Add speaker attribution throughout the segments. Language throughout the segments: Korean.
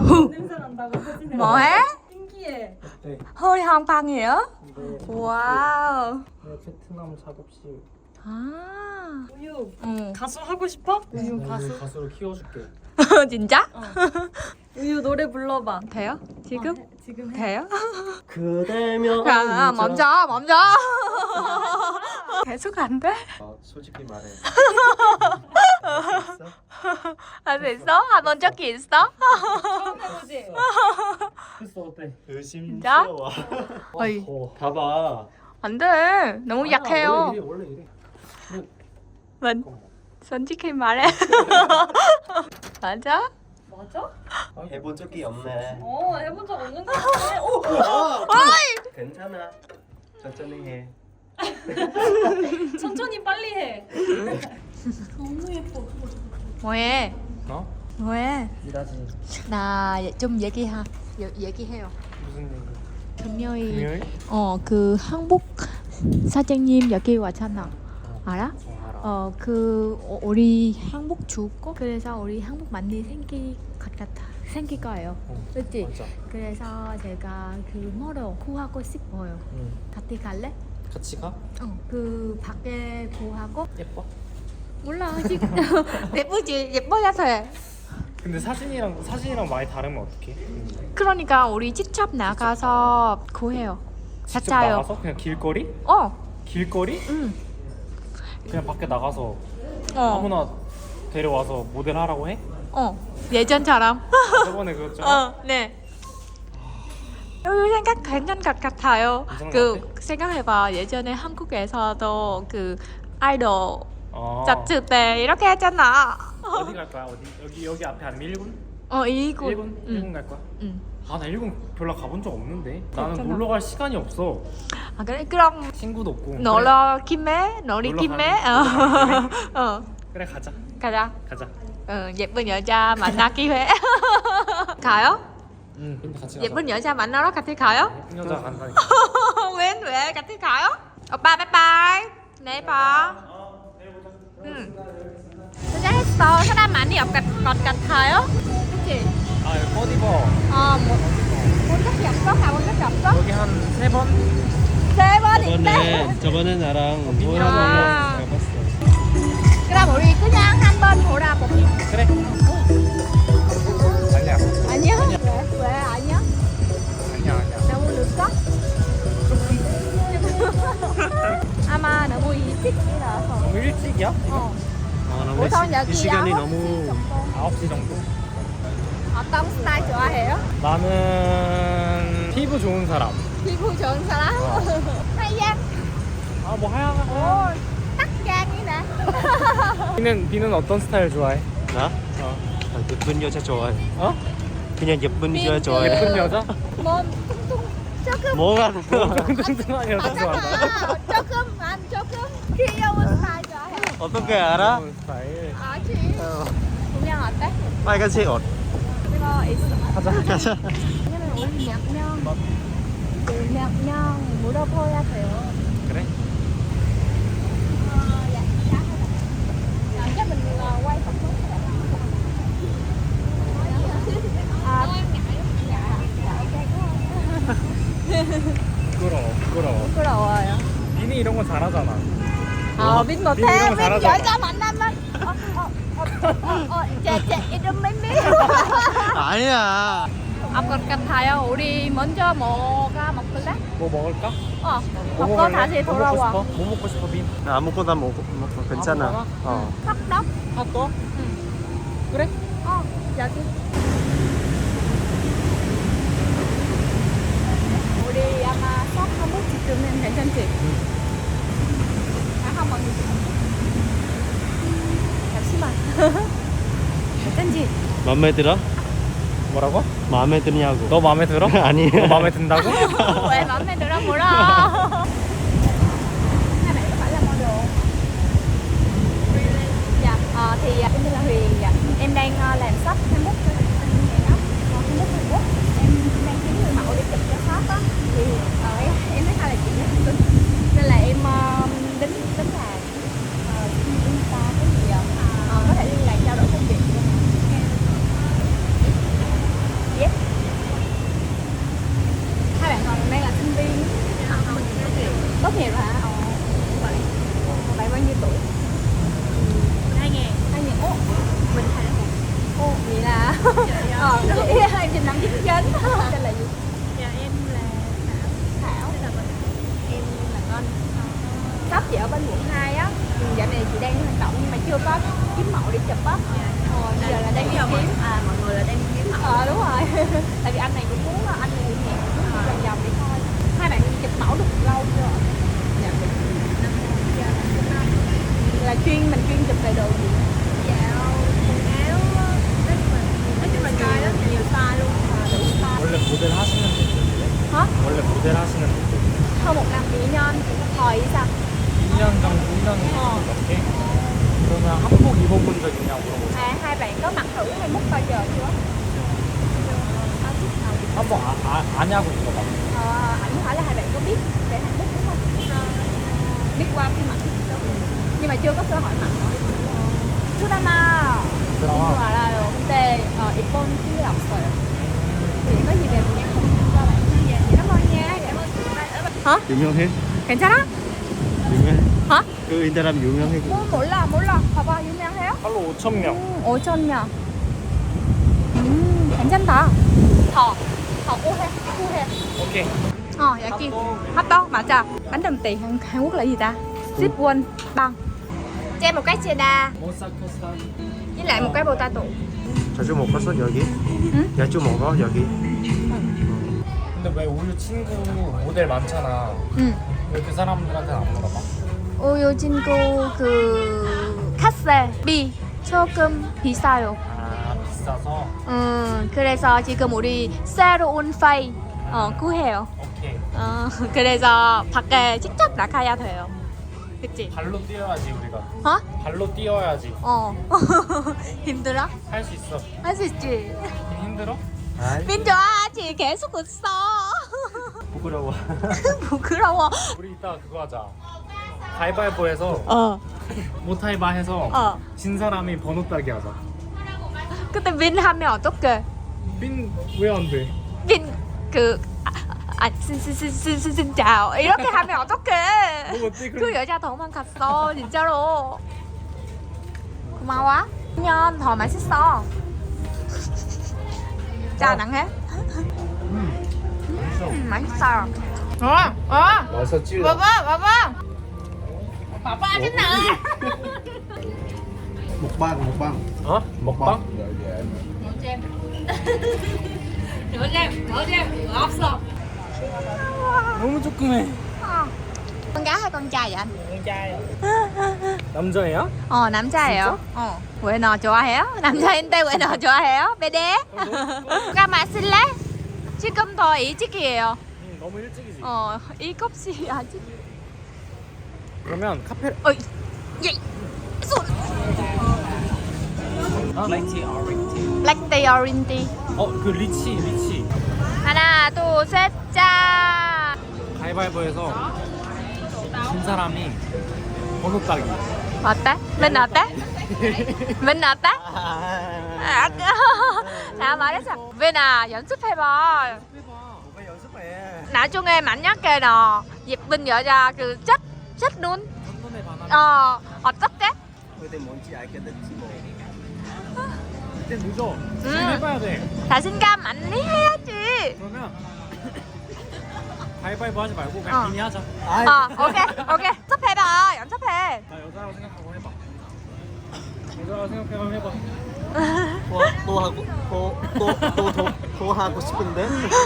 Speaker 1: 냄새 난다고 사진에.
Speaker 2: 뭐해?
Speaker 1: 신기해.
Speaker 3: 네.
Speaker 2: hơi hoang 빵이에요?
Speaker 3: 네.
Speaker 2: 와우.
Speaker 3: 네, 베트남 작업실.
Speaker 2: 아.
Speaker 1: 우유
Speaker 2: 응.
Speaker 1: 가수 하고 싶어? 우유
Speaker 3: 나
Speaker 1: 가수.
Speaker 3: 이거 가수로 키워줄게.
Speaker 2: 진짜?
Speaker 1: 우유 노래 불러봐.
Speaker 2: 돼요? 지금?
Speaker 1: 지금 해.
Speaker 2: 돼요?
Speaker 3: 그대면.
Speaker 2: 야, 먼저. 계속 안 돼?
Speaker 3: 솔직히 말해.
Speaker 2: 할 수 있어? 아, 먼 적이 있어?
Speaker 1: 처음 해보지?
Speaker 3: 했어 어때?
Speaker 2: 진짜?
Speaker 3: 의심스러워.
Speaker 2: 어이.
Speaker 3: 봐봐.
Speaker 2: 안 돼. 너무 약해요.
Speaker 3: 원래 이래.
Speaker 2: ምን 솔직히 말해. 맞아?
Speaker 1: 맞아?
Speaker 3: 해본 적이 없네.
Speaker 1: 해본 적 없는 거 같아. 오!
Speaker 3: 괜찮아. 천천히 해.
Speaker 1: 천천히 빨리 해. 너무 예뻐.
Speaker 2: 뭐해?
Speaker 3: 어?
Speaker 2: 뭐해?
Speaker 3: 일하지.
Speaker 2: 나 좀 얘기해요.
Speaker 3: 무슨 얘기?
Speaker 2: 금요일
Speaker 3: 금요일?
Speaker 2: 그 한국 사장님 여기 왔잖아. 알아?
Speaker 3: 알아.
Speaker 2: 우리 한국 주고 그래서 우리 한국 많이 생길 거예요. 그렇지?
Speaker 3: 맞아.
Speaker 2: 그래서 제가 그 뭐로 구하고 싶어요.
Speaker 3: 응.
Speaker 2: 같이 갈래?
Speaker 3: 같이 가?
Speaker 2: 그 밖에 구하고
Speaker 3: 예뻐?
Speaker 2: 몰라 아직 예쁘지? 예뻐야 돼.
Speaker 3: 근데 사진이랑 많이 다르면 어떡해?
Speaker 2: 그러니까 우리 직접 나가서 구해요.
Speaker 3: 직접
Speaker 2: 진짜요?
Speaker 3: 나가서 그냥 길거리? 길거리?
Speaker 2: 응.
Speaker 3: 그냥 밖에 나가서
Speaker 2: 어.
Speaker 3: 아무나 데려와서 모델 하라고 해?
Speaker 2: 예전처럼.
Speaker 3: 저번에 그랬잖아.
Speaker 2: 네. 생각 괜찮은 것 같아요.
Speaker 3: 괜찮은
Speaker 2: 그
Speaker 3: 것
Speaker 2: 생각해봐. 예전에 한국에서도 그 아이돌
Speaker 3: 아.
Speaker 2: 잡지 때 이렇게 했잖아.
Speaker 3: 어디 갈 거야? 어디? 여기 앞에 아니면 1군?
Speaker 2: 이곳.
Speaker 3: 1군 갈 거야?
Speaker 2: 응.
Speaker 3: 아, 나 1군 별로 가본 적 없는데. 나는
Speaker 2: 그렇잖아.
Speaker 3: 놀러 갈 시간이 없어.
Speaker 2: 아 그래 그럼
Speaker 3: 친구도 없고.
Speaker 2: 놀러 김에 놀이
Speaker 3: 놀러
Speaker 2: 김에
Speaker 3: 그래 가자.
Speaker 2: 가자.
Speaker 3: 가자.
Speaker 2: 예쁜 여자 만나기 회. 가요?
Speaker 3: 응, 근데 같이 가자.
Speaker 2: 예쁜 여자 만나러 같이 가요?
Speaker 3: 예쁜 여자 간다니까.
Speaker 2: 왜 같이 가요? 오빠 바이바이. 내일 봐. 응. 진짜 했어. 사람 많이 없을 것 같아요. 그치?
Speaker 3: 아, 여기 꽃 입어.
Speaker 2: 본 적이 없어? 가본 적이 없어?
Speaker 3: 여기 한 3번?
Speaker 2: 세 번인데?
Speaker 4: 저번에 나랑
Speaker 2: 아.
Speaker 4: 가봤어.
Speaker 2: 그럼 우리 그냥 한번 돌아보기.
Speaker 3: 그래. 아니야.
Speaker 2: 아니야? 왜 아니야?
Speaker 3: 아니야.
Speaker 2: 너무 늦어? 아마 너무 일찍이라서.
Speaker 3: 너무 일찍이야?
Speaker 4: 너무
Speaker 2: 보통 여기
Speaker 4: 이 시간이
Speaker 2: 9시
Speaker 4: 너무
Speaker 2: 정도.
Speaker 3: 9시 정도?
Speaker 2: 어떤 스타일 좋아해요?
Speaker 3: 나는 피부 좋은 사람.
Speaker 2: 피부 좋은 사람? 하얀?
Speaker 3: 아, 뭐 하얀.
Speaker 2: 딱장이네.
Speaker 3: 비는 어떤 스타일 좋아해?
Speaker 4: 나? 예쁜 여자 좋아해.
Speaker 3: 어?
Speaker 4: 그냥 예쁜 여자
Speaker 2: 빈
Speaker 4: 좋아해.
Speaker 3: 예쁜 여자?
Speaker 2: 몸 퉁퉁 조금
Speaker 4: 뭐가
Speaker 3: 뚱뚱한 여자 좋아한다.
Speaker 2: 조금 귀여운 스타일 좋아해.
Speaker 4: 어떻게 알아?
Speaker 3: 좋은 스타일.
Speaker 2: 아지. 분명 어때?
Speaker 4: 빨간색 옷.
Speaker 2: 이거 있어.
Speaker 3: 가자.
Speaker 2: 왜냐면 우리 몇 명 물어봐야 돼요.
Speaker 3: 그래?
Speaker 2: Dạ, chắc mình quay tập xuống.
Speaker 3: 부끄러워.
Speaker 2: 부끄러워요.
Speaker 3: 비니 이런 거 잘하잖아.
Speaker 2: 빈
Speaker 3: 빈
Speaker 2: 못해.
Speaker 3: 이런 거
Speaker 2: 빈
Speaker 3: 잘하잖아.
Speaker 2: 여자 만나면 제 이름 맨미.
Speaker 4: 아니야.
Speaker 2: 아까 같아요. 우리 먼저 뭐가 먹을래?
Speaker 3: 뭐 먹을까?
Speaker 2: 먹고
Speaker 3: 먹을래?
Speaker 2: 다시
Speaker 3: 뭐
Speaker 2: 돌아와.
Speaker 3: 먹고 싶어? 뭐 먹고 싶어, 빈?
Speaker 4: 나 아무거나 먹고 괜찮아.
Speaker 3: 아무거나?
Speaker 2: 핫떡?
Speaker 3: 핫도그? 그래?
Speaker 2: 여기. 우리 아마 쏙 한번 찍으면 괜찮지? 한번 잠시만. 괜찮지?
Speaker 4: 마음에 들어?
Speaker 3: 뭐라고?
Speaker 4: 마음에 드냐고.
Speaker 3: 너 마음에 들어?
Speaker 4: 아니.
Speaker 3: 너 마음에 든다고?
Speaker 2: 왜 마음에 들어 몰라. Hai bạn có phải là model? Dạ, thì em tên là Huyền. Dạ. Em đang làm shop 21 cho anh này đó. 21 Hàn Quốc. Em đang kiếm người mẫu để chụp cho shop á. Thì em thấy hai là chị rất tính. Nên là em tính là Insta cái gì có thể liên lạc trao đổi công việc. Yes. Em trình năm 99. Tên là gì?
Speaker 1: Dạ em là
Speaker 2: Thảo.
Speaker 1: Thảo.
Speaker 2: Em là Ngân. Shop chị ở bên quận 2 á. Dạo này chị đang hoạt động nhưng mà chưa có kiếm mẫu để chụp á. Giờ là đang đi kiếm.
Speaker 1: Mọi người là đang kiếm mẫu.
Speaker 2: Đúng rồi. Tại vì anh này cũng muốn anh này cũng hẹn muốn đi vòng vòng để coi. Hai bạn chụp mẫu được lâu chưa?
Speaker 1: Dạ được 5 năm.
Speaker 2: Là mình chuyên chụp về đồ gì?
Speaker 1: Dạo quần áo nói chung là nhiều style luôn.
Speaker 2: Đủ style.
Speaker 3: 원래 모델 하시는 분들이래?
Speaker 2: Hả?
Speaker 3: 원래 모델 하시는 분들
Speaker 2: Hơn một năm mỹ nhân hồi sao?
Speaker 3: 2년 정도, 1년 넘게? 그러면 한복 입어본 적 있냐고 물어보세요.
Speaker 2: Hai bạn có mặc thử hay múc bao giờ chưa?
Speaker 3: 한복 아냐고 물어봐.
Speaker 2: Ảnh hỏi là hai bạn có biết về hạnh phúc đúng không? Biết qua phim ảnh nhưng mà chưa có cơ hội mặc. 드라마
Speaker 3: 드라마?
Speaker 2: 이거 알아요. 근데 이번 기회가 없어요. thì có gì về nhắn cho bạn. Cảm ơn nha. Hả?
Speaker 4: 유명해?
Speaker 2: 괜찮아?
Speaker 4: 유명해?
Speaker 2: hả?
Speaker 4: 그 인사람 유명해?
Speaker 2: 몰라. 봐봐 유명해요?
Speaker 3: 하루 5,000명.
Speaker 2: 5,000명. 괜찮다. 더 uhe.
Speaker 3: 오케이.
Speaker 2: 여기 핫도그 맞아. Bánh đầm tiền Hàn Quốc là gì ta? Sipwon băng. Cho em một cái cheddar
Speaker 3: 모사코스타.
Speaker 2: với lại một cái potato.
Speaker 4: 자주 먹었어 여기?
Speaker 2: 응?
Speaker 4: 자주 먹어 여기?
Speaker 3: 근데 왜 우유 친구 모델 많잖아.
Speaker 2: 응.
Speaker 3: 왜 그 사람들한테는 안 물어봐?
Speaker 2: 우유 친구 그 카세비 조금 비싸요.
Speaker 3: 아 비싸서?
Speaker 2: 그래서 지금 우리 새로운 페이 구해요.
Speaker 3: 오케이.
Speaker 2: 그래서 밖에 직접 나가야 돼요. 그치?
Speaker 3: 발로 뛰어야지 우리가.
Speaker 2: 어?
Speaker 3: 발로 뛰어야지.
Speaker 2: 힘들어?
Speaker 3: 할 수 있어.
Speaker 2: 할 수 있지.
Speaker 3: 힘들어?
Speaker 4: 아이
Speaker 2: 민 좋아하지. 계속 웃어.
Speaker 4: 부끄러워.
Speaker 2: 부끄러워.
Speaker 3: 우리 이따 그거 하자. 가위바위보해서 모타이바 해서 진 사람이 번호 따기 하자.
Speaker 2: 근데 민 하면 어떡해?
Speaker 3: 빈 왜 안 돼?
Speaker 2: 민 xin chào 이렇게 하면 어떡해?
Speaker 3: 뭐 어때?
Speaker 2: 그 여자 도망갔어 진짜로. 고마워. 년 더 맛있어. 자 낭해. 맛있어.
Speaker 3: 맛있었지?
Speaker 2: 봐봐. 봐봐 진짜.
Speaker 4: 먹방.
Speaker 3: 어? 먹방?
Speaker 2: 넣어잼 없어.
Speaker 3: 너무 조그매.
Speaker 2: Con gái hay con trai vậy anh?
Speaker 3: con trai. 남자예요?
Speaker 2: 남자예요. 왜 너 좋아해요? 남자인데 왜 너 좋아해요? 베데? 가 마실래? 지금 더 일찍이에요.
Speaker 3: 너무 일찍이지.
Speaker 2: 7시 아직.
Speaker 3: 그러면 카페.
Speaker 2: 예. 손.
Speaker 3: 블랙티 오렌지.
Speaker 2: Black tea orange tea.
Speaker 3: 그 리치.
Speaker 2: 하나, 둘, 셋, 짠.
Speaker 3: 가위바위보해서 진 사람이 번호 따기.
Speaker 2: 어때? 민 어때? 민 어때? 자 말했어. 민아 연습해봐.
Speaker 4: 뭐가 연습해?
Speaker 2: 나중에 만약에 너 예쁜 여자 그 chất 눈.
Speaker 3: 첫눈에 반하면
Speaker 2: 어떻게?
Speaker 4: 그때 뭔지 알게 됐지 뭐.
Speaker 3: 그때 늦어. 지금 해봐야 돼.
Speaker 2: 자신감 많이 해야지.
Speaker 3: 그러면 가위바위보 하지 말고 그냥 비니 하자.
Speaker 2: 오케이. 연습해봐. 연습해.
Speaker 3: 나 여자라고 생각하고 해봐. 여자라고 생각하고 해봐.
Speaker 4: 또 하고 싶은데?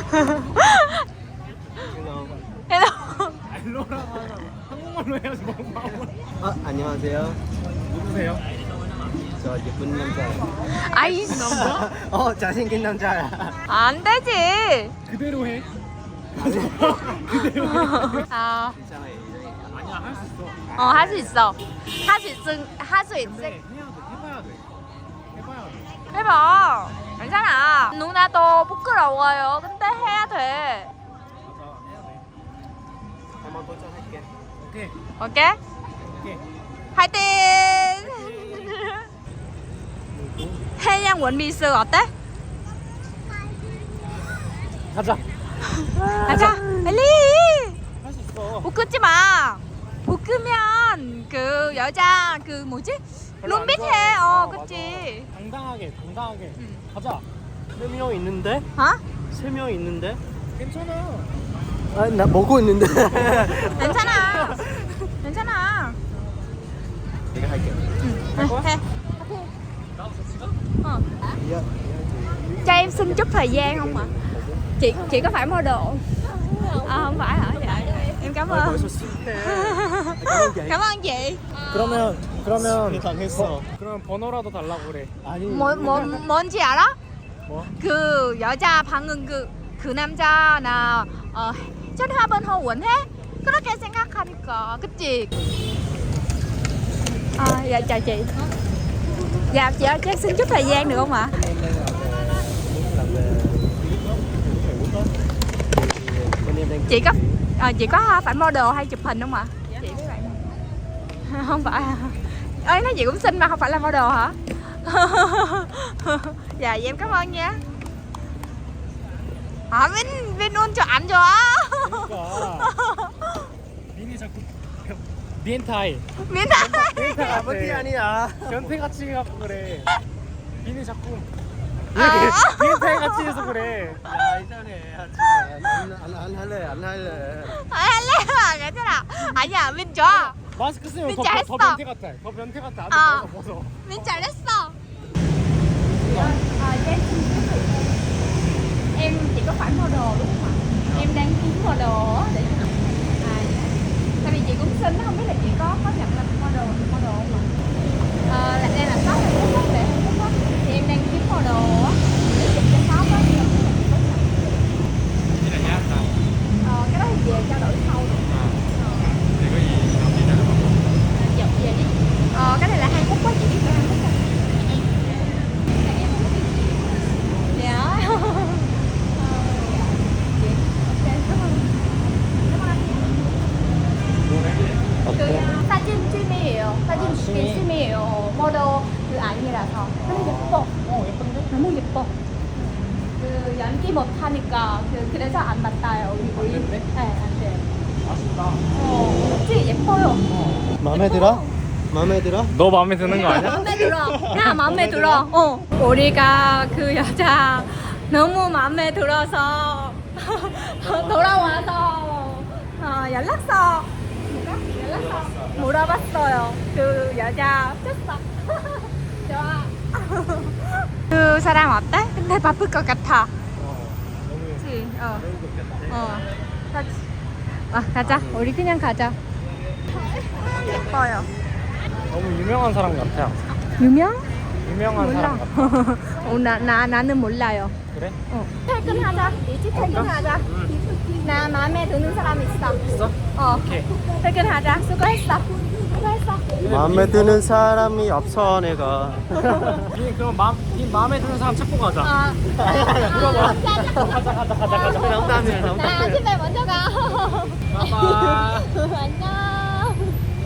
Speaker 2: hello.
Speaker 3: 알로라고 하자. 한국말로 해야지 뭐.
Speaker 4: 안녕하세요.
Speaker 3: 누구세요?
Speaker 4: 저 예쁜 남자예요.
Speaker 2: 아이씨.
Speaker 4: 잘생긴 남자야.
Speaker 2: 안 되지.
Speaker 3: 그대로 해.
Speaker 2: 그대로 해.
Speaker 4: 괜찮아요.
Speaker 3: 아니야 할 수 있어.
Speaker 2: 할 수 있어. 할 수 있어.
Speaker 3: 근데 해봐야 돼.
Speaker 2: 해봐. 괜찮아. 누나도 부끄러워요. 근데 해야 돼.
Speaker 3: 맞아 해야 돼.
Speaker 4: 한번 도전할게.
Speaker 2: 오케이? 화이팅! 해양 원미스 어때?
Speaker 3: 가자.
Speaker 2: 가자. 빨리.
Speaker 3: 할 수 있어.
Speaker 2: 볶지 마. 볶으면 그 여자 그 뭐지?
Speaker 3: 별로 안
Speaker 2: 룸비트해.
Speaker 3: 좋아해.
Speaker 2: 어,
Speaker 3: 맞아.
Speaker 2: 그치.
Speaker 3: 당당하게
Speaker 2: 응.
Speaker 3: 가자.
Speaker 4: 3명 있는데?
Speaker 2: 어?
Speaker 4: 3명 있는데?
Speaker 3: 괜찮아.
Speaker 4: 아, 나 먹고 있는데.
Speaker 2: 괜찮아. 괜찮아.
Speaker 4: 내가 할게.
Speaker 2: 해.
Speaker 3: 나도 같이 가?
Speaker 2: Ờ.
Speaker 4: 야,
Speaker 2: Cho em xin chút thời gian không ạ? Chị có phải model? Không phải hả? Dạ. Em cảm ơn.
Speaker 4: 벌써 싫네. 감사합니다.
Speaker 2: Cảm ơn chị.
Speaker 3: 그러면
Speaker 4: 당했어.
Speaker 3: 그러면 번호라도 달라고 그래.
Speaker 4: 아니.
Speaker 2: 뭔지 알아?
Speaker 3: 뭐?
Speaker 2: 그 여자 방금 그 남자 나 전화번호 원해? 그렇게 생각하니까 그치? Dạ chào chị. Dạ chị ơi cho em xin chút thời gian được không ạ? Chị có phải model hay chụp hình không ạ? Chị với bạn không phải à? Ơi nói chị cũng xinh mà không phải là model hả? Dạ vậy em cảm ơn nha. Vin luôn cho ảnh cho.
Speaker 3: 그러니까 민이 자꾸 미엔타이
Speaker 2: Miếng
Speaker 4: 아버지 아니야.
Speaker 3: 변태같이 해갖고 그래. 민이 자꾸 미엔타이 같이 해서 그래.
Speaker 4: 야, 이상해. 안 할래. 안 할래.
Speaker 2: 할래 괜찮아. 아니야 민 좋아.
Speaker 3: 마스크 쓰면
Speaker 2: 민지
Speaker 3: 더
Speaker 2: 했어.
Speaker 3: 변태 같아. 더 변태 같아.
Speaker 2: 아.
Speaker 3: 아주 벗어.
Speaker 2: Min 잘했어. Em chỉ có phải model đúng không ạ? Em đang kiếm model á để tại vì chị cũng xinh không biết là chị có nhận là model không ạ? Là đây là shop hay là shop để Hàn Quốc á thì em đang kiếm model á để chụp cho shop á thì không biết là chị có nhận.
Speaker 3: Cái này nhá.
Speaker 2: Cái đó thì về trao đổi sau được.
Speaker 3: 내가 이 남기는
Speaker 2: Dạ về đi. Cái này là Hàn Quốc quá chị biết về Hàn Quốc không? Dạ. 그 사진 취미예요. 사진 취미예요. 모델 그 아니라서. 너무 예뻐.
Speaker 3: 예쁜데?
Speaker 2: 너무 예뻐. 그 연기 못 하니까 그래서 안 맞다요. 우리.
Speaker 3: 된대?
Speaker 2: 네, 안 돼.
Speaker 3: 아쉽다.
Speaker 2: 그치 예뻐요.
Speaker 4: 마음에 들어? 마음에 들어?
Speaker 3: 너 마음에 드는 거 아니야?
Speaker 2: 마음에 들어. 나 마음에 들어. 우리가 그 여자 너무 마음에 들어서 돌아와서 연락처 물어봤어요. 그 여자 쳤어. 좋아. 그 사람 어때? 근데 바쁠 것 같아.
Speaker 3: 너무
Speaker 2: 그치?
Speaker 3: 그런 것 같아.
Speaker 2: 가자. 우리 그냥 가자. 예뻐요.
Speaker 3: 너무 유명한 사람 같아.
Speaker 2: 유명?
Speaker 3: 유명한 사람
Speaker 2: 몰라.
Speaker 3: 같아.
Speaker 2: 나는 몰라요.
Speaker 3: 그래?
Speaker 2: 퇴근하자. 일찍 퇴근하자. 나 마음에 드는 사람 있어.
Speaker 3: 있어? 오케이.
Speaker 2: 퇴근하자. 수고했어.
Speaker 4: 마음에 드는 사람이 없어 내가.
Speaker 3: 니 그럼 니 마음에 드는 사람 찾고 가자.
Speaker 2: 물어봐.
Speaker 3: 가자.
Speaker 4: 농담이야
Speaker 2: 나 집에 먼저 가.
Speaker 3: 봐봐.
Speaker 2: 안녕.